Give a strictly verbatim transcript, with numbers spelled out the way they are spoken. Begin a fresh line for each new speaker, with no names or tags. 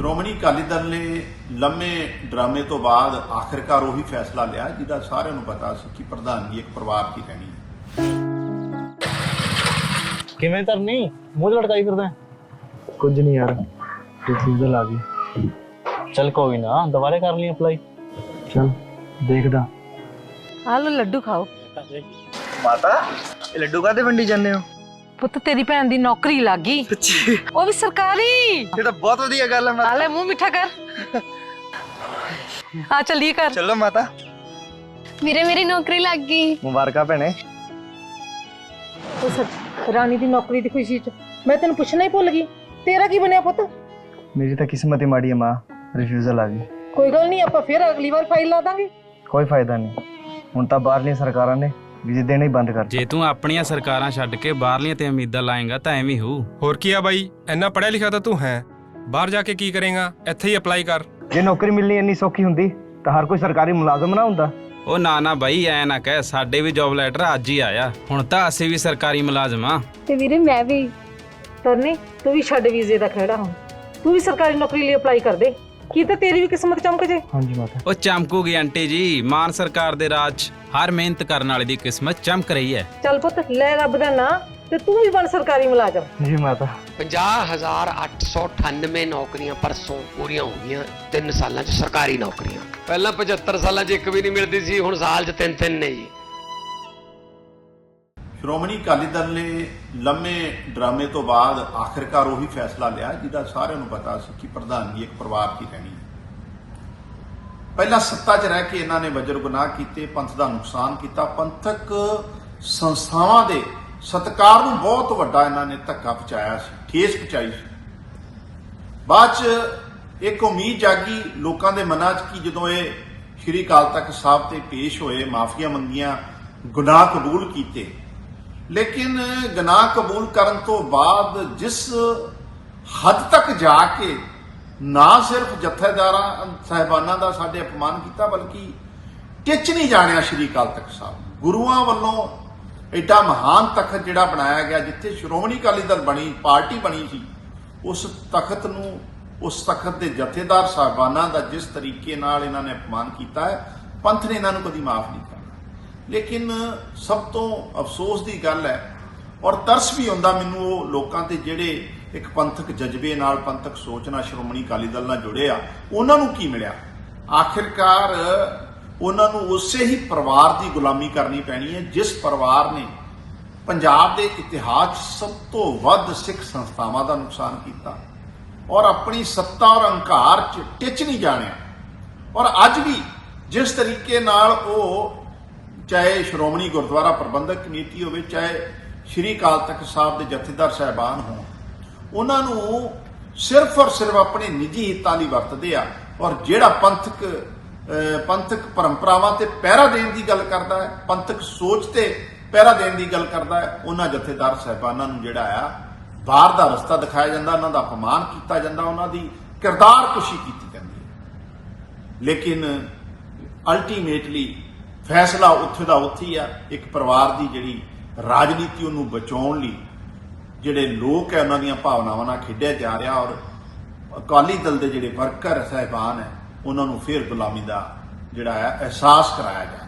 ਸ਼੍ਰੋਮਣੀ ਅਕਾਲੀ ਦਲ ਨੇ ਲੰਮੇ ਡਰਾਮੇ ਤੋਂ ਬਾਅਦ ਆਖਿਰਕਾਰ ਉਹੀ ਫੈਸਲਾ ਲਿਆ ਜਿਹਦਾ ਸਾਰਿਆਂ ਨੂੰ ਪਤਾ ਸੀ ਕਿ ਪ੍ਰਧਾਨਗੀ ਇੱਕ ਪਰਿਵਾਰ ਦੀ ਰਹਿਣੀ ਹੈ।
ਕਿਵੇਂ ਧਰਨੀ ਮੂੰਹ ਲਟਕਾਈ ਫਿਰਦਾ?
ਕੁਝ ਨਹੀਂ ਯਾਰ, ਰਿਫਿਊਜ਼ਲ ਆ ਗਈ।
ਚੱਲ ਕੋਈ ਨਾ, ਦੁਬਾਰੇ ਕਰ ਲਈ ਅਪਲਾਈ।
ਚਲ ਦੇਖਦਾ।
ਆ ਲੋ ਲੱਡੂ ਖਾਓ।
ਮਾਤਾ ਇਹ ਲੱਡੂ ਕਾਹਦੇ ਵੰਡੀ ਜਾਂਦੇ ਹੋ?
ਪੁੱਤ ਤੇਰੀ ਭੈਣ ਦੀ ਨੌਕਰੀ ਲੱਗ ਗਈ,
ਸੱਚੀ?
ਉਹ ਵੀ ਸਰਕਾਰੀ।
ਇਹ ਤਾਂ ਬਹੁਤ ਵਧੀਆ ਗੱਲ ਹੈ ਮਾਤਾ।
ਆ ਲੈ ਮੂੰਹ ਮਿੱਠਾ ਕਰ। ਆ ਚੱਲੀਏ ਕਰ।
ਚਲੋ ਮਾਤਾ।
ਵੀਰੇ ਮੇਰੀ ਨੌਕਰੀ ਲੱਗ ਗਈ।
ਮੁਬਾਰਕਾਂ ਭੈਣੇ।
ਉਹ ਰਾਣੀ ਦੀ ਨੌਕਰੀ ਦੀ ਖੁਸ਼ੀ ਚ ਮੈਂ ਤੈਨੂੰ ਪੁੱਛਣਾ ਹੀ ਭੁੱਲ ਗਈ, ਤੇਰਾ ਕੀ ਬਣਿਆ ਪੁੱਤ?
ਮੇਰੀ ਤਾਂ ਕਿਸਮਤ ਹੀ ਮਾੜੀ ਹੈ ਮਾਂ, ਰਿਫਿਊਜ਼ਲ ਆ ਗਈ।
ਕੋਈ ਗੱਲ ਨਹੀਂ, ਆਪਾਂ ਫਿਰ ਅਗਲੀ ਵਾਰ ਫਾਈਲ ਲਾ ਦਾਂਗੇ।
ਕੋਈ ਫਾਇਦਾ ਨਹੀਂ, ਹੁਣ ਤਾਂ ਬਾਹਰਲੀਆਂ ਸਰਕਾਰਾਂ ਨੇ ਵੀਜ਼ੇ ਦੇਣੇ ਹੀ ਬੰਦ ਕਰ ਦਿੱਤੇ।
ਜੇ ਤੂੰ ਆਪਣੀਆਂ ਸਰਕਾਰਾਂ ਛੱਡ ਕੇ ਬਾਹਰਲੀਆਂ ਤੇ ਉਮੀਦਾਂ ਲਾਏਗਾ ਤਾਂ ਐਵੇਂ ਹੋਊ।
ਹੋਰ ਕੀ ਆ ਬਾਈ, ਇੰਨਾ ਪੜ੍ਹਿਆ ਲਿਖਿਆ ਤਾਂ ਤੂੰ ਹੈ, ਬਾਹਰ ਜਾ ਕੇ ਕੀ ਕਰੇਗਾ? ਇੱਥੇ ਹੀ ਅਪਲਾਈ ਕਰ।
ਜੇ ਨੌਕਰੀ ਮਿਲਣੀ ਇੰਨੀ ਸੌਖੀ ਹੁੰਦੀ ਤਾਂ ਹਰ ਕੋਈ ਸਰਕਾਰੀ ਮੁਲਾਜ਼ਮ ਨਾ ਹੁੰਦਾ।
ਉਹ ਨਾ ਨਾ ਬਾਈ, ਐ ਨਾ ਕਹਿ, ਸਾਡੇ ਵੀ ਜੌਬ ਲੈਟਰ ਅੱਜ ਹੀ ਆਇਆ, ਹੁਣ ਤਾਂ ਅਸੀਂ ਵੀ ਸਰਕਾਰੀ ਮੁਲਾਜ਼ਮ ਆ।
ਤੇ ਵੀਰੇ ਮੈਂ ਵੀ।
ਤਰਨੀ ਤੂੰ ਵੀ ਛੱਡ ਵੀਜ਼ੇ ਦਾ ਖਹਿੜਾ, ਹੁਣ ਤੂੰ ਵੀ ਸਰਕਾਰੀ ਨੌਕਰੀ ਲਈ ਅਪਲਾਈ ਕਰ ਦੇ, ਕੀ ਤਾਂ ਤੇਰੀ ਵੀ ਕਿਸਮਤ ਚਮਕ ਜੇ।
ਹਾਂਜੀ ਮਾਤਾ।
ਉਹ ਚਮਕੂਗੀ ਆਂਟੀ ਜੀ, ਮਾਨ ਸਰਕਾਰ ਦੇ ਰਾਜ 'ਚ ਹਰ ਮਿਹਨਤ ਕਰਨ ਵਾਲੇ ਦੀ ਕਿਸਮਤ ਚਮਕ ਰਹੀ ਹੈ।
ਚੱਲ ਪੁੱਤ ਲੈ ਰੱਬ ਦਾ ਨਾਂ ਤੇ ਤੂੰ ਵੀ ਬਣ ਸਰਕਾਰੀ ਮੁਲਾਜ਼ਮ।
ਜੀ ਮਾਤਾ।
ਪੰਜਾਹ ਹਜ਼ਾਰ ਅੱਠ ਸੌ ਅਠਾਨਵੇਂ ਨੌਕਰੀਆਂ ਪਰਸੋਂ ਪੂਰੀਆਂ ਹੋ ਗਈਆਂ ਤਿੰਨ ਸਾਲਾਂ 'ਚ ਸਰਕਾਰੀ ਨੌਕਰੀਆਂ। ਪਹਿਲਾਂ ਪਝੱਤਰ ਸਾਲਾਂ 'ਚ ਇੱਕ ਵੀ ਨਹੀਂ ਮਿਲਦੀ ਸੀ, ਹੁਣ ਸਾਲ 'ਚ ਤਿੰਨ ਤਿੰਨ ਨੇ ਜੀ।
ਸ਼੍ਰੋਮਣੀ ਅਕਾਲੀ ਦਲ ਨੇ ਲੰਮੇ ਡਰਾਮੇ ਤੋਂ ਬਾਅਦ ਆਖਿਰਕਾਰ ਉਹੀ ਫੈਸਲਾ ਲਿਆ ਜਿਹਦਾ ਸਾਰਿਆਂ ਨੂੰ ਪਤਾ ਸੀ ਕਿ ਪ੍ਰਧਾਨਗੀ ਇੱਕ ਪਰਿਵਾਰ ਦੀ ਰਹਿਣੀ ਹੈ। ਪਹਿਲਾਂ ਸੱਤਾ 'ਚ ਰਹਿ ਕੇ ਇਹਨਾਂ ਨੇ ਵਜਰ ਗੁਨਾਹ ਕੀਤੇ, ਪੰਥ ਦਾ ਨੁਕਸਾਨ ਕੀਤਾ, ਪੰਥਕ ਸੰਸਥਾਵਾਂ ਦੇ ਸਤਿਕਾਰ ਨੂੰ ਬਹੁਤ ਵੱਡਾ ਇਹਨਾਂ ਨੇ ਧੱਕਾ ਪਹੁੰਚਾਇਆ ਸੀ, ਠੇਸ ਪਹੁੰਚਾਈ ਸੀ। ਬਾਅਦ 'ਚ ਇੱਕ ਉਮੀਦ ਜਾਗੀ ਲੋਕਾਂ ਦੇ ਮਨਾਂ 'ਚ ਕਿ ਜਦੋਂ ਇਹ ਸ਼੍ਰੀ ਅਕਾਲ ਤਖਤ ਸਾਹਿਬ ਤੇ ਪੇਸ਼ ਹੋਏ, ਮਾਫੀਆਂ ਮੰਗੀਆਂ, ਗੁਨਾਹ ਕਬੂਲ ਕੀਤੇ, ਲੇਕਿਨ ਗੁਨਾਹ ਕਬੂਲ ਕਰਨ ਤੋਂ ਬਾਅਦ ਜਿਸ ਹੱਦ ਤੱਕ ਜਾ ਕੇ ਨਾ ਸਿਰਫ ਜਥੇਦਾਰਾਂ ਸਾਹਿਬਾਨਾਂ ਦਾ ਸਾਡੇ ਅਪਮਾਨ ਕੀਤਾ, ਬਲਕਿ ਟਿੱਚ ਨਹੀਂ ਜਾਣਿਆ ਸ਼੍ਰੀ ਅਕਾਲ ਤਖਤ ਸਾਹਿਬ। ਗੁਰੂਆਂ ਵੱਲੋਂ ਐਡਾ ਮਹਾਨ ਤਖਤ ਜਿਹੜਾ ਬਣਾਇਆ ਗਿਆ, ਜਿੱਥੇ ਸ਼੍ਰੋਮਣੀ ਅਕਾਲੀ ਦਲ ਬਣੀ, ਪਾਰਟੀ ਬਣੀ ਸੀ, ਉਸ ਤਖਤ ਨੂੰ, ਉਸ ਤਖਤ ਦੇ ਜਥੇਦਾਰ ਸਾਹਿਬਾਨਾਂ ਦਾ ਜਿਸ ਤਰੀਕੇ ਨਾਲ ਇਹਨਾਂ ਨੇ ਅਪਮਾਨ ਕੀਤਾ ਹੈ, ਪੰਥ ਨੇ ਇਹਨਾਂ ਨੂੰ ਕਦੀ ਮਾਫ ਨਹੀਂ ਕਰਨਾ। ਲੇਕਿਨ ਸਭ ਤੋਂ ਅਫਸੋਸ ਦੀ ਗੱਲ ਹੈ ਔਰ ਤਰਸ ਵੀ ਆਉਂਦਾ ਮੈਨੂੰ ਉਹ ਲੋਕਾਂ ਤੇ ਜਿਹੜੇ ਇੱਕ ਪੰਥਕ ਜਜ਼ਬੇ ਨਾਲ, ਪੰਥਕ ਸੋਚ ਨਾਲ ਸ਼੍ਰੋਮਣੀ ਅਕਾਲੀ ਦਲ ਨਾਲ ਜੁੜੇ ਆ, ਉਹਨਾਂ ਨੂੰ ਕੀ ਮਿਲਿਆ? ਆਖਿਰਕਾਰ ਉਹਨਾਂ ਨੂੰ ਉਸੇ ਹੀ ਪਰਿਵਾਰ ਦੀ ਗੁਲਾਮੀ ਕਰਨੀ ਪੈਣੀ ਹੈ ਜਿਸ ਪਰਿਵਾਰ ਨੇ ਪੰਜਾਬ ਦੇ ਇਤਿਹਾਸ 'ਚ ਸਭ ਤੋਂ ਵੱਧ ਸਿੱਖ ਸੰਸਥਾਵਾਂ ਦਾ ਨੁਕਸਾਨ ਕੀਤਾ ਔਰ ਆਪਣੀ ਸੱਤਾ ਔਰ ਹੰਕਾਰ 'ਚ ਟਿੱਚ ਨਹੀਂ ਜਾਣਿਆ। ਔਰ ਅੱਜ ਵੀ ਜਿਸ ਤਰੀਕੇ ਨਾਲ ਉਹ, ਚਾਹੇ ਸ਼੍ਰੋਮਣੀ ਗੁਰਦੁਆਰਾ ਪ੍ਰਬੰਧਕ ਕਮੇਟੀ ਹੋਵੇ, ਚਾਹੇ ਸ਼੍ਰੀ ਅਕਾਲ ਤਖਤ ਸਾਹਿਬ ਦੇ ਜਥੇਦਾਰ ਸਾਹਿਬਾਨ ਹੋਣ, ਉਹਨਾਂ ਨੂੰ ਸਿਰਫ ਔਰ ਸਿਰਫ ਆਪਣੇ ਨਿੱਜੀ ਹਿੱਤਾਂ ਲਈ ਵਰਤਦੇ ਆ। ਔਰ ਜਿਹੜਾ ਪੰਥਕ ਪੰਥਕ ਪਰੰਪਰਾਵਾਂ ਤੇ ਪਹਿਰਾ ਦੇਣ ਦੀ ਗੱਲ ਕਰਦਾ ਹੈ, ਪੰਥਕ ਸੋਚ ਤੇ ਪਹਿਰਾ ਦੇਣ ਦੀ ਗੱਲ ਕਰਦਾ ਹੈ, ਉਹਨਾਂ ਜਥੇਦਾਰ ਸਾਹਿਬਾਨਾਂ ਨੂੰ ਜਿਹੜਾ ਆ ਬਾਹਰ ਦਾ ਰਸਤਾ ਦਿਖਾਇਆ ਜਾਂਦਾ, ਉਹਨਾਂ ਦਾ ਅਪਮਾਨ ਕੀਤਾ ਜਾਂਦਾ, ਉਹਨਾਂ ਦੀ ਕਿਰਦਾਰ ਕੁਸ਼ੀ ਕੀਤੀ ਜਾਂਦੀ ਹੈ। ਲੇਕਿਨ ਅਲਟੀਮੇਟਲੀ ਫੈਸਲਾ ਉੱਥੇ ਦਾ ਉੱਥੇ ਹੀ ਆ। ਇੱਕ ਪਰਿਵਾਰ ਦੀ ਜਿਹੜੀ ਰਾਜਨੀਤੀ ਉਹਨੂੰ ਬਚਾਉਣ ਲਈ ਜਿਹੜੇ ਲੋਕ ਹੈ ਉਹਨਾਂ ਦੀਆਂ ਭਾਵਨਾਵਾਂ ਨਾਲ ਖੇਡਿਆ ਜਾ ਰਿਹਾ ਔਰ ਅਕਾਲੀ ਦਲ ਦੇ ਜਿਹੜੇ ਵਰਕਰ ਸਾਹਿਬਾਨ ਹੈ ਉਹਨਾਂ ਨੂੰ ਫਿਰ ਗੁਲਾਮੀ ਦਾ ਜਿਹੜਾ ਹੈ ਅਹਿਸਾਸ ਕਰਾਇਆ ਜਾ ਰਿਹਾ।